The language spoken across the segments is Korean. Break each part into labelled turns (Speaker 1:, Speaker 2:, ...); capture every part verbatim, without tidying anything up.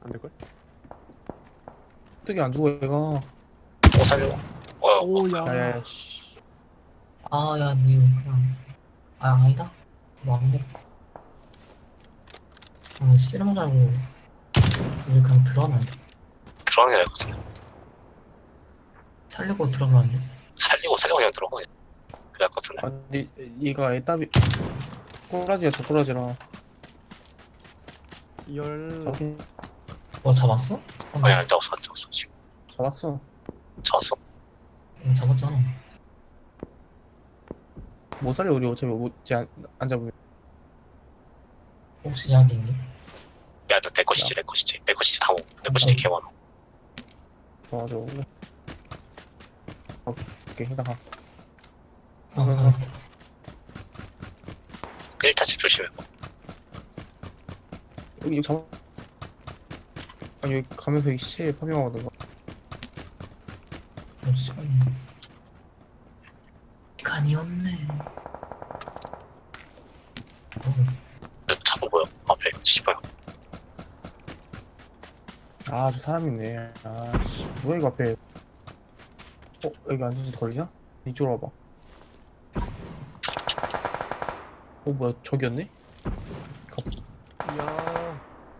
Speaker 1: 안 될걸?
Speaker 2: 어떻게 안 죽어 얘가.
Speaker 3: 오 살려. 어,
Speaker 1: 오야.
Speaker 2: 야야야 씨.
Speaker 4: 아, 야, 니 그냥. 아, 아니다. 뭐, 안 돼. 아, 씨름 살고. 우리 그냥 들어가면 안 돼.
Speaker 3: 들어가는 게 나을 것 같은데.
Speaker 4: 살리고 들어가면 안 돼.
Speaker 3: 살리고 살리고 그냥 들어가. 그냥. 그게 나을 것 같은데.
Speaker 2: 아니 얘가 애답이 꼬라지야 저 꼬라지라.
Speaker 1: 열.
Speaker 2: 잡긴
Speaker 4: 뭐 잡았어?
Speaker 3: 아니 안 잡았어 안 잡았어 지금.
Speaker 2: 잡았어.
Speaker 3: 잡았어.
Speaker 4: 응, 잡았잖아.
Speaker 2: 못 살려 우리 어차피 못안 안 잡으면.
Speaker 4: 혹시 약이 있니?
Speaker 3: 야너내 것이지 내 것이지 내 것이지 다 먹어. 내 것이지 개 많아.
Speaker 2: 맞아. 오케이 해다가.
Speaker 4: 아, 아,
Speaker 3: 일 타 집 조심해.
Speaker 2: 여기 잡아. 아니 여기 가면서 이 시체에 파밍하거든.
Speaker 4: 어, 시간이. 시간이 없네. 어,
Speaker 3: 잡아 보여 앞에 씨발.
Speaker 2: 아 저 사람 있네. 아씨 뭐야 이거 앞에. 어 여기 안전지 걸리냐? 이쪽으로 와봐. 어 뭐야 저기였네?
Speaker 1: 야.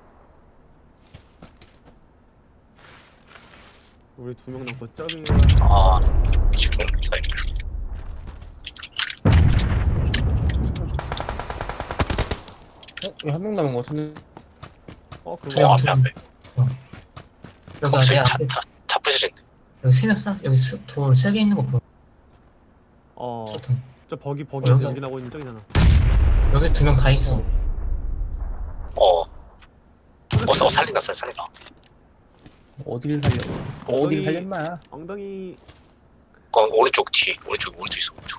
Speaker 1: 우리 두 명 남고 쩌리.
Speaker 3: 아 지금 기다려.
Speaker 2: 어? 왜 한 명 남은 거 같은데?
Speaker 1: 어 그거.
Speaker 4: 두
Speaker 3: 어
Speaker 4: 명,
Speaker 3: 앞에
Speaker 4: 두 명.
Speaker 3: 앞에.
Speaker 4: 여기
Speaker 3: 혹시
Speaker 4: 내 앞에.
Speaker 3: 차차 부시는데.
Speaker 4: 여기 세명 싸? 여기 스, 돌 세 개 있는 거 보여.
Speaker 1: 어.
Speaker 4: 스턴.
Speaker 1: 저 버기 버기
Speaker 4: 어, 여기-
Speaker 1: 여기 나고 있는 저기잖아.
Speaker 4: 여기 두 명 다 있어.
Speaker 3: 어. 어 사- 어 살린다 살 살린다.
Speaker 2: 어디를 살려? 어디를 살렸나?
Speaker 1: 엉덩이
Speaker 3: 어 오른쪽 뒤 오른쪽 오른쪽 있어 오른쪽.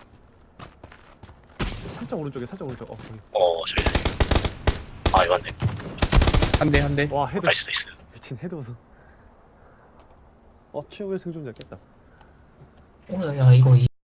Speaker 1: 살짝 오른쪽에 살짝 오른쪽. 어. 거기.
Speaker 3: 어 저기. 아 이거 안돼.
Speaker 2: 한 대 한 대.
Speaker 1: 와 헤드.
Speaker 3: 나이스 나이스.
Speaker 1: 미친 헤드 보소. 어 최후의 생존자 깼다.
Speaker 4: 어, 야, 야, 이거 이